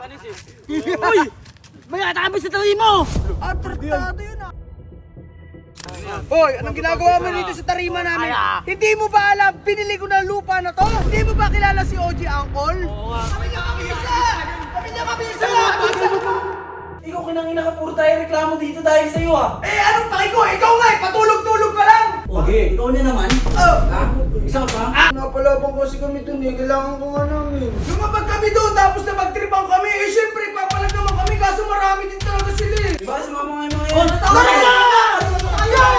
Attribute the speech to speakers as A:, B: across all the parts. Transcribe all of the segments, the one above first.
A: panis eh. Uy! May atapos sa tawi mo!
B: Tratado yun ah. Hoy, anong ginagawa mo dito sa tarima namin? Hindi mo ba alam, pinili ko na lupa na to? Hindi mo ba kilala si OG Angkol?
A: Oo nga.
B: Kami niya kabisa! Kami niya kabisa!
C: Ikaw kinangina ka, puro tayo reklamo dito dahil sa'yo ah.
B: Eh, anong paki ko? Ikaw nga eh, patulog-tulog ka lang!
C: Okay, ikaw na naman. Ha? Isa pa?
B: Napalabang kasi kami dun eh, kailangan ko nga namin. Lumabag kami doon, tapos na magtripang kami. Eh, syempre, papalag naman kami, kaso marami din talaga sila eh.
C: Diba, sumama nga yung mga yan.
B: Oh, natawa na! Ayaw!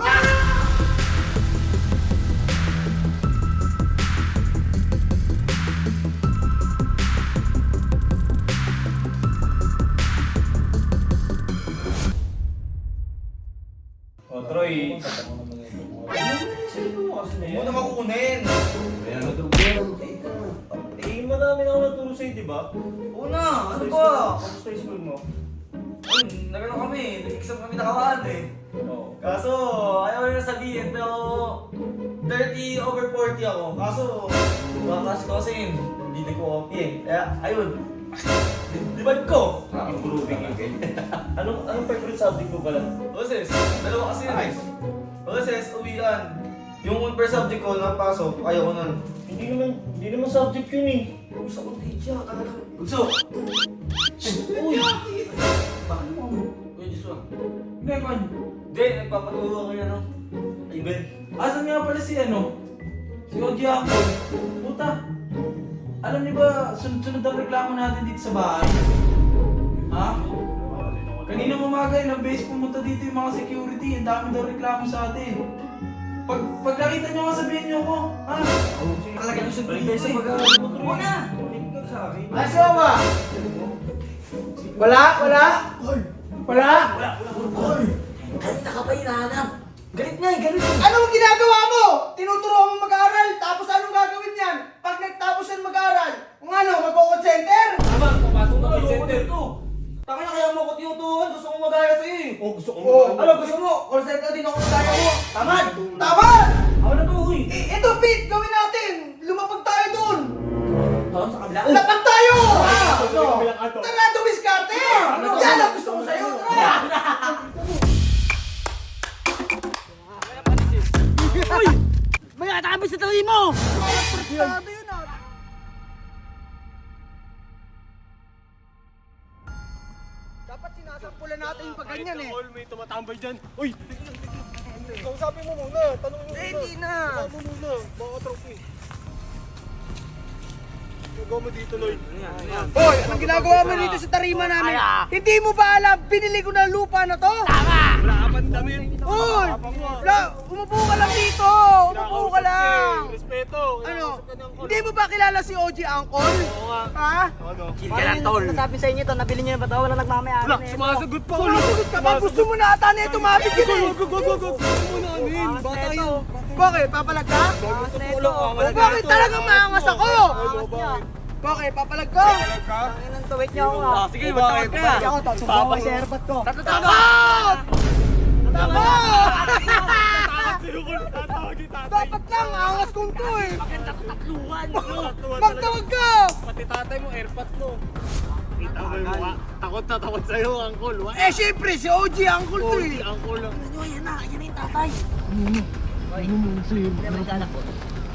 C: O, Troy.
D: Huwag naman kukunin.
C: Eh, madami na ako naturo sa'yo, di ba?
D: Una, ano ba? Kamusta yung school mo? Nagano kami, nag-exam kami nakaraan eh.
C: Oo.
D: Kaso, ayaw na sabihin, pero 30/40 ako. Kaso, bakas ko kasi hindi ko copy eh. Kaya, ayun. Dibad ko!
C: Improving yung ganyan. Anong favorite subject mo pala?
D: Boses, dalawa kasi yun eh. Boses, uwian. Yung per subject ko napasok, ayaw ko nun.
C: Hindi naman subject yun eh.
D: Gusto ko teacher, talaga. Gusto! Uy! Bakit mo? Uy, Joshua.
C: Hindi, man.
D: Hindi, nagpapaturo ko yan, no? Ay, Ben.
C: Asan nga pala si ano? Si OG ako. Puta. Alam niyo ba, sunod-sunod ang reklamo natin dito sa bahay? Ha? Kanina umaga, ilang beses pumunta dito yung mga security. Ang dami daw reklamo sa atin. Pag nakita niyo nga, sabihin niyo ako. Ha?
D: Talaga yung sabihin sa pag-aaral mo, Troy. Wala!
B: Aso ba? Wala? Wala? Wala?
A: Kanina ka pa hinahanap. Galit nga eh, galit eh.
B: Anong ginagawa mo? Tinuturuan mo mag-aaral, tapos anong gagawin yan? Pag nagtapos yan mag-aaral, kung ano, mag-call center?
D: Tama, papasok na yung center to. Taka na kaya mo ako tinuturuan, gusto ko magaya sa'yo eh.
B: Gusto ko
D: Ano, gusto mo? Call center din ako magaya mo. Tamad!
B: Tamad!
D: Ako na to, uy.
B: Ito, Pete, gawin natin! Lumapag tayo dun!
D: Doon sa kabila.
B: Lapag tayo!
D: Ano?
B: Tara, dumiskarte! Yan ang gusto ko sa'yo! Tara!
A: Uy! May atapos sa tawi mo!
B: Tratado yun ah! Dapat sinasampulan natin yung pagganyan eh.
E: May tumatambay dyan. Uy! Kausapin mo muna. Tanong mo muna.
B: Hindi na!
E: Tanong mo muna. Baka trophy. Gagawa mo dito, Lloyd.
B: Hoy, anong ginagawa mo dito sa tarima namin? Hindi mo ba alam, pinili ko na lupa na to?
E: Wala ka pang damit.
B: Hoy! Umupo ka lang dito! Umupo ka lang!
E: Respeto.
B: Ano? Hindi mo ba kilala si OG Angkol?
E: Oo nga.
B: Ha?
E: Ano?
A: Chill ka lang, tol.
F: Nasabi sa inyo to, nabili niyo na ba ito? Wala nagmamayari
E: Wala,
F: na ito.
E: sumasagot pa.
B: Sumasagot ka ba? Gusto mo na ata na ito mabig yun eh!
E: Wag mo na amin. Bata yun.
B: Bakit? Papalag ka?
F: Angas na ito.
B: O bakit talagang maangas ako?
E: Ano ba?
B: Bakit? Papalag ka?
F: Ang inang tuwit niyo ako ah.
E: Sige, magtawag ka.
F: Ako, subukan ko sa airpot ko.
B: Takot! Takot!
E: Tatawagin tatay.
B: Dapat lang, angas kong to eh!
A: Tatluhan!
B: Magtawag ka!
E: Pati tatay mo, airpods mo. Kita mo yung mukha. Takot na takot sa'yo, Uncle.
B: Eh syempre, si OG Angkol to eh!
E: Uncle lang.
A: Ano yan na? Yan na yung tatay. Hindi naman kanak po.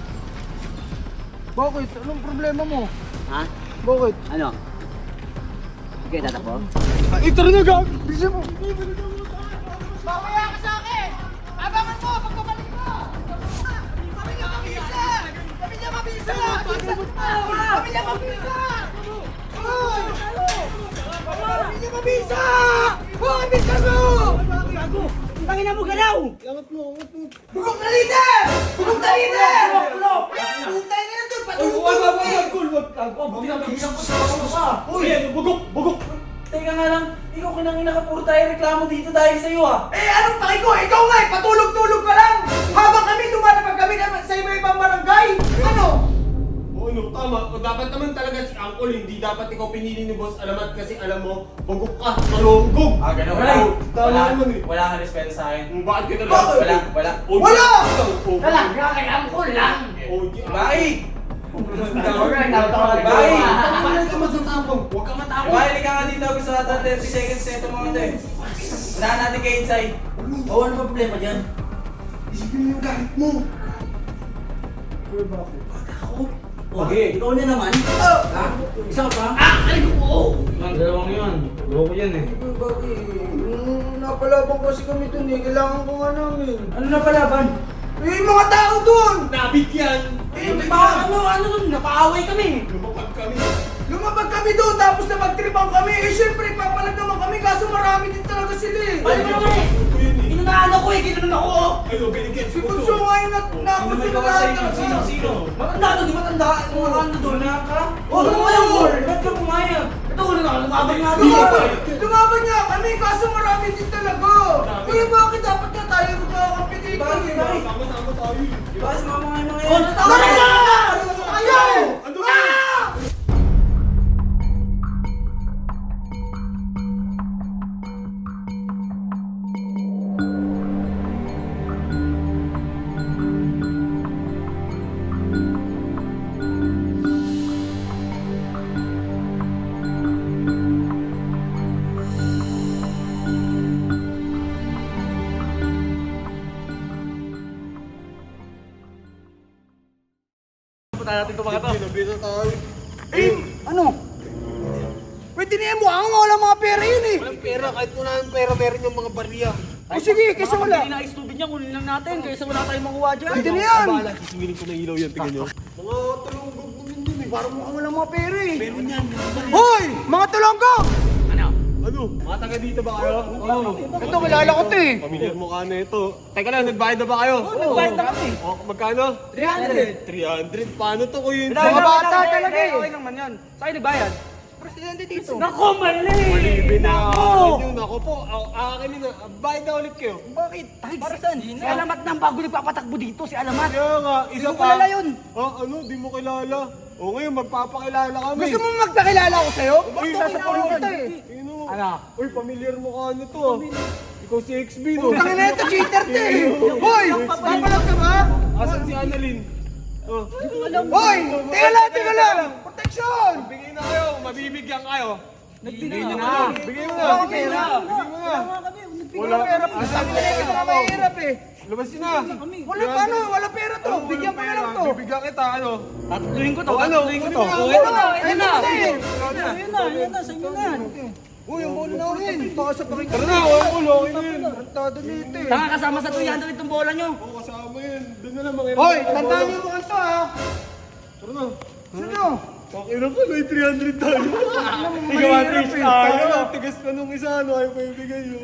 B: Bakit? Anong problema mo?
A: Ha?
B: Bakit?
A: Ano? Okay, tatakbo?
B: Ito rin na gag! Bisa mo! Mamaya ka sa akin! Abangan mo! Pagkabalik mo! Kami niya mabisa! Kami niya mabisa! Kami niya mabisa! Hoy! Kami niya mabisa! Hoy! Bisa mo!
A: Tangina mo galaw!
B: Bugok na leader! Bugok na leader! Putay na na doon!
C: Bugok! Teka nga lang, ikaw kinangina ka, puro tayo reklamo dito dahil sa'yo ah.
B: Eh anong paki ko? Ikaw nga eh! Patulog-tulog ka lang! Habang kami lumalapag kami sa iba-ibang barangay! Ano?
E: Oo, no, tama. O, dapat naman talaga si Uncle, hindi dapat ikaw pinili ni Boss Alamat kasi alam mo, bugok ka, malunggog.
C: Ganun
E: Ay, tama naman eh.
C: Wala kang respeto sa akin.
E: Bakit ka na
B: Bakit?
C: Wala.
B: Wala!
A: Talaga kay Angkol lang!
E: OG.
C: Bakit? Bye!
E: Bakit ka magsasabong? Huwag ka matakot.
C: Bye, ka nga dito. Gusto natin 30 seconds na ito mga ito eh. Unahan natin kay Inside.
A: Oo, ano ba problema dyan?
E: Isipin mo yung galit mo.
A: Okay. Ikaw na naman. Ha? Isa pa?
C: Ang dalawang yun. Loko yan eh.
B: Napalaban kasi kami dun eh. Kailangan ko nga namin.
C: Ano na palaban?
B: Eh, mga tao dun!
E: Nabigyan.
A: Ano dun? Napaaway kami.
E: Lumapag kami.
B: Lumabag kami doon tapos na magtripang kami. Eh, syempre, papalag naman kami kaso marami din talaga sila eh.
A: Ano ba naman eh?
E: Ito yun eh.
A: Ginunahan ako eh. Ginunan ako oh.
E: Ayun, binigyan
B: Si Bunso nga yung
C: Sino
B: nakos
C: may
B: sila
C: gawa sa inyo?
B: lahat.
C: Sino?
A: Matanda to, di matanda. Yung mga ano doon.
C: Wala ka?
A: Oh, ano mo yung goal?
C: Ba't ka pumayag?
A: Ito, lumabag nga
E: Lumabag.
A: doon.
B: Lumaban niya kami kaso marami din talaga. Kuya, bakit dapat nga tayo magkakampi dito?
C: Bakit?
E: Sama-sama tayo.
C: Diba, sumama nga na
A: Oh,
C: ngayon.
A: natawa na!
B: Ayaw!
E: Ano ba? Binabira tayo.
B: Ano? Pwede na yan, mukha nga wala mga pera yun eh.
E: Walang pera, kahit wala ng pera, meron yung mga barya.
B: O sige, kaysa wala.
A: Hindi na ice tubig niya, kunin lang natin. Kaysa wala tayong makuha dyan.
B: Pwede na yan.
E: Sisingilin ko na ilaw yan, tingnan nyo. Mga tulunggog naman dun eh.
B: Parang mukhang wala mga pera eh. Hoy! Mga tulonggo!
E: Ano? Mga taga dito ba kayo? Oo.
B: Ito, kilala ko to eh.
E: Pamilyar mo ka na ito. Teka lang, nagbayad na ba kayo? Oo,
A: nagbayad na kami.
E: O, magkano?
B: 300.
E: 300. Paano to ko yun?
B: Mga bata talaga eh.
A: Okay naman yan. Saan nagbayad?
B: Presidente dito.
A: Nako, mali!
E: Malibin na ako. Yun ako po. Akin na. Bayad na ulit kayo.
B: Bakit? Para saan?
A: Si Alamat nang bago nagpapatakbo dito, si Alamat.
E: Kaya nga, isa
B: Hindi ko
E: pa.
B: kilala yun.
E: Ano? Di mo kilala. O ngayon, magpapakilala kami.
B: Gusto mo magpakilala ko sa'yo?
E: Uy,
B: Bakit
E: nasa
B: sasapunin kita eh?
E: Ano? Uy, pamilyar mo ka ano to. Ikaw si XB, no?
B: Putang ina ito, cheater to eh. Hoy! Papalag ka ba?
E: Asan si Annalyn? Oh.
B: Hoy! Teka lang! Protection!
E: Bigay na kayo, mabibigyan kayo.
A: Nagbigay na.
E: Bigay mo
B: Wala
E: na.
B: akong pera.
E: Bigay mo na.
B: Wala pera. Sabi nila ito na mahirap eh.
E: Labasin na.
B: Wala paano, wala pera to. Bigyan ko na lang to.
E: Bibigyan kita, ano?
A: Tatluhin ko to,
E: O, ano?
A: tatluhin ko to.
B: Ayun na, ayun na.
A: Ayun na, sa inyo na yan.
B: Uy, yung bola na rin. Baka sa pakita.
E: Tara na, wala ko, okay na yun.
B: Tarantado nito eh.
A: Tanga kasama sa 300 itong bola nyo.
E: Oo, kasama yun. Doon na lang, mga
B: Hoy, tandaan niyo mga to ha.
E: Tara na.
B: Sino?
E: Pakilang ko, may 300 tayo.
B: Ikaw, Patrice.
E: Tayo, tigas pa nung isa, ano, ayaw pa ibigay yun.